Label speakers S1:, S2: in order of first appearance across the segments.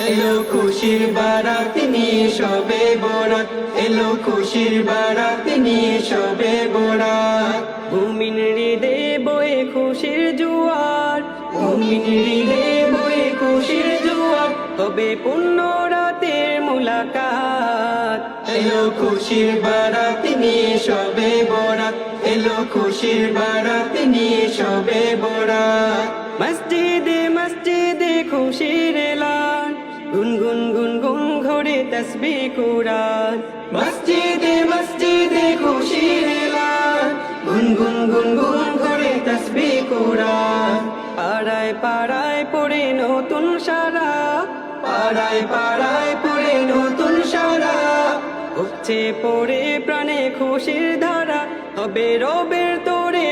S1: এলো খুশির বারাত নিয়ে শবে বরাত, এলো খুশির বারাত নিয়ে শবে বরাত।
S2: মুমিন হৃদে বয়ে খুশির জোয়ার,
S1: মুমিন হৃদে বয়ে খুশির জোয়ার,
S2: হবে পূর্ণ রাতের মুলাকাত।
S1: এলো খুশির বারাত নিয়ে শবে বরাত, এলো খুশির বারাত নিয়ে শবে বরাত।
S2: মসজিদে মসজিদে খুশির এলান, গুনগুন গুনগুন ঘরে তসবিহ কুরআন।
S1: মসজিদে মসজিদে খুশির এলান, গুনগুন গুনগুন করে তাসবিহ কুরআন।
S2: পাড়ায় পাড়ায় পড়ে নতুন সারা,
S1: পাড়ায় পাড়ায় পড়ে নতুন সারা,
S2: উপচে পড়ে প্রাণে খুশির ধারা, হবে রবের তোরে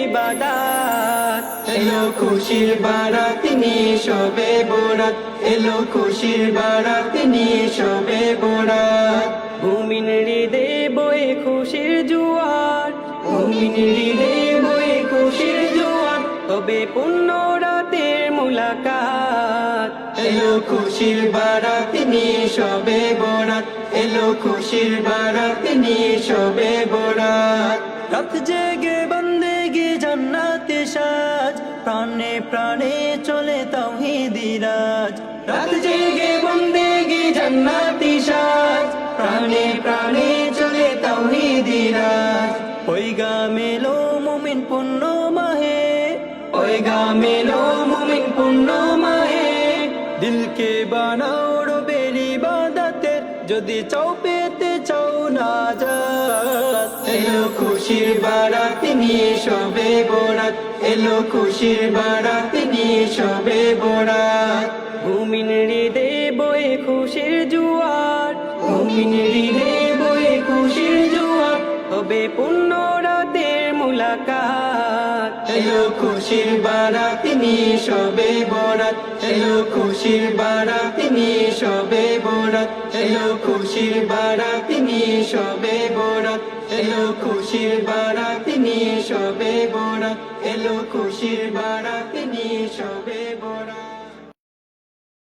S2: ইবাদাত।
S1: এলো খুশির বারাত নিয়ে শবে বরাত, এলো খুশির বারাত নিয়ে শবে বরাত।
S2: মুমিন হৃদে বয়ে খুশির জোয়ার,
S1: মুমিন হৃদে বয়ে খুশির জোয়ার,
S2: হবে পূর্ণ রাতের মুলাকাত।
S1: এলো খুশির বারাত নিয়ে শবে বরাত, এলো খুশির বারাত নিয়ে শবে বরাত।
S2: রাত জেগে বন্দেগি জান্নাতে সাজ, প্রাণে প্রাণে চলে তাওহীদি রাজ।
S1: রাত জেগে বন্দেগি জান্নাতি সাজ, প্রাণে প্রাণে চলে তাওহীদি রাজ।
S2: ওই গা মেলো মুমিন পুণ্য মাহে,
S1: ওই গা মেলো মুমিন পুণ্য মাহে,
S2: দিলকে বানাও রবের ইবাদতের, যদি চাও পেতে চাও নাজাত।
S1: এলো খুশির বারাত নিয়ে শবে বরাত, এলো খুশির বারাত নিয়ে শবে বরাত।
S2: মুমিন হৃদে বয়ে খুশির জোয়ার,
S1: মুমিন হৃদে বয়ে খুশির জোয়ার,
S2: হবে পূর্ণ রাতের মুলাকাত।
S1: এলো খুশির বারাত নিয়ে শবে বরাত, এলো খুশির বারাত নিয়ে শবে বরাত, এলো খুশির বারাত নিয়ে শবে বরাত, এলো খুশির বারাত নিয়ে শবে বরাত, এলো খুশির বারাত নিয়ে শবে